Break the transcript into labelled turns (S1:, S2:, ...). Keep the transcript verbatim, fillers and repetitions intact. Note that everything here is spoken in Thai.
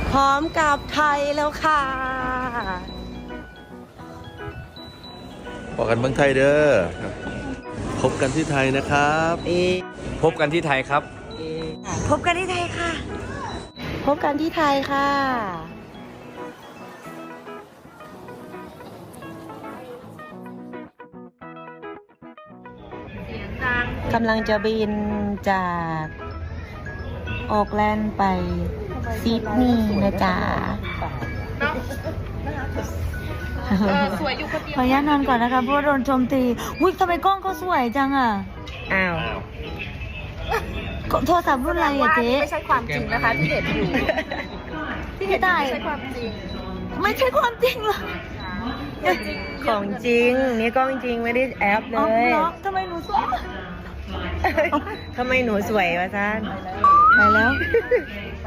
S1: พร้อมกับไทยแล้วค่ะ
S2: บอกกันเมืองไทยเด้อพบกันที่ไทยนะครับ
S3: พบกันที่ไทยครับ
S1: พบกันที่ไทยค่ะ พบกันที่ไทยค่ะกำลังจะบินจากออกแลนด์ไปซิดนีย์นะจ๊ะ
S4: สวยอยู่คนเดียว
S5: ขออนุญาตนอนก่อนนะคะเพราะว่าโดนโจมตีอุ้ยทำไมกล้องเขาสวยจังอ่ะ
S1: อ้าว
S5: โทรศัพท์รุ่นอะไรอะเจ๊
S4: ไม่ใช่ความจริงนะคะที่เห็นอยู่ ที่เห็นอยู่ไม่ใช่ความจริง
S5: ไม่ใช่ความจริงเหรอ
S1: ของจริง นี่กล้องจริงไม่ได้แอปเล
S5: อ๋อย เหรอทำไมหนูสวย
S1: ทำไมหนูสวยวะท่าน
S5: ไปแล้ว